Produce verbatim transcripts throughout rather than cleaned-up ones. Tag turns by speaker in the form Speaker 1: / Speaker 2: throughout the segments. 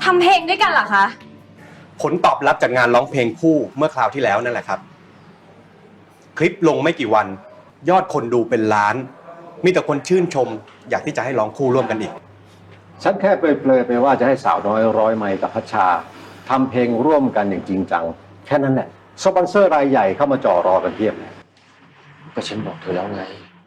Speaker 1: ำเพลงด้วยกันเหรอคะ
Speaker 2: ผลตอบรับจากงานร้องเพลงคู่เมื่อคราวที่แล้วนั่นแหละครับคลิปลงไม่กี่วันยอดคนดูเป็นล้านมีแต่คนชื่นชมอยากที่จะให้ร้องคู่ร่วมกันอีก
Speaker 3: ฉันแค่เปรยๆไปว่าจะให้สาวน้อยร้อยไมล์กับพัชชาทำเพลงร่วมกันอย่างจริงจังแค่นั้นแหละสปอนเซอร์รายใหญ่เข้ามาจ่อรอกันเพียบเลย
Speaker 4: ก็ฉันบอกเธอแล้วไง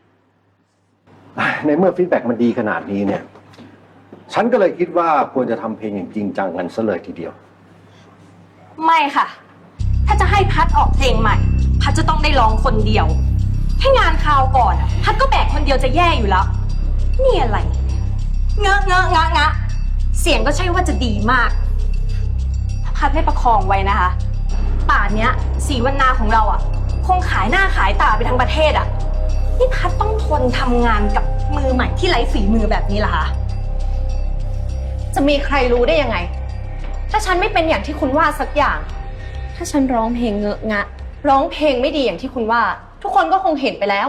Speaker 3: ในเมื่อฟีดแบ็กมันดีขนาดนี้เนี่ยฉันก็เลยคิดว่าควรจะทำเพลงอย่างจริงจังกันซะเลยทีเดียว
Speaker 1: ไม่ค่ะถ้าจะให้พัดออกเพลงใหม่พัดจะต้องได้ร้องคนเดียวให้งานคราวก่อนพัดก็แบกคนเดียวจะแย่อยู่แล้วนี่อะไรเงอะเงอะงะงะเสียงก็ใช่ว่าจะดีมากถ้าพัดไม่ประคองไว้นะคะป่านเนี้ยสีวรรณาของเราอ่ะคงขายหน้าขายตาไปทั้งประเทศอ่ะนี่พัดต้องทนทำงานกับมือใหม่ที่ไร้ฝีมือแบบนี้ล่ะคะจะมีใครรู้ได้ยังไงถ้าฉันไม่เป็นอย่างที่คุณว่าสักอย่างถ้าฉันร้องเพลงเงอะงะร้องเพลงไม่ดีอย่างที่คุณว่าทุกคนก็คงเห็นไปแล้ว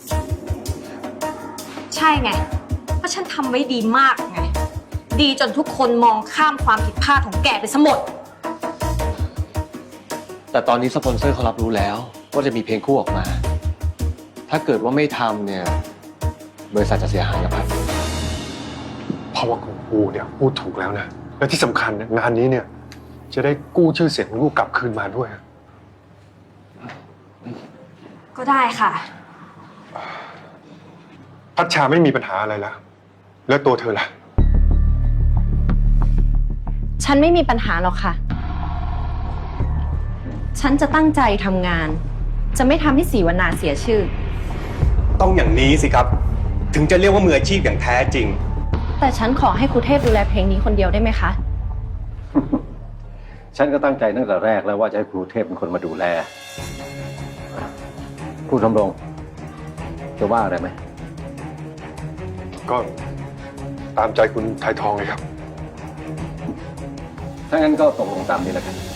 Speaker 1: ใช่ไงเพราะฉันทำไว้ดีมากไงดีจนทุกคนมองข้ามความผิดพลาดของแกไปซะหมด
Speaker 4: แต่ตอนนี้สปอนเซอร์เขารับรู้แล้วว่าจะมีเพลงคู่ออกมาถ้าเกิดว่าไม่ทำเนี่ยบริษัทจะเสียหายนะครับ
Speaker 5: เพราะว่าคุณปูเนี่ยพูดถูกแล้วนะและที่สำคัญงานนี้เนี่ยจะได้กู้ชื่อเสียงของลูกกลับคืนมาด้วย
Speaker 1: ก็ได้ค่ะ
Speaker 5: พัชชาไม่มีปัญหาอะไรแล้วแล้วตัวเธอล่ะ
Speaker 1: ฉันไม่มีปัญหาหรอกค่ะฉันจะตั้งใจทำงานจะไม่ทำให้ศรีวรรณาเสียชื่อ
Speaker 2: ต้องอย่างนี้สิครับถึงจะเรียกว่ามืออาชีพอย่างแท้จริง
Speaker 1: แต่ฉันขอให้ครูเทพดูแลเพลงนี้คนเดียวได้ไหมคะ
Speaker 3: ฉันก็ตั้งใจตั้งแต่แรกแล้วว่าจะให้ครูเทพเป็นคนมาดูแลครูทำรงจะว่าอะไรไหม
Speaker 5: ก็ตามใจคุณไทยทองเลยครับ
Speaker 3: ถ้างั้นก็ตกลงตามนี้แล้วกัน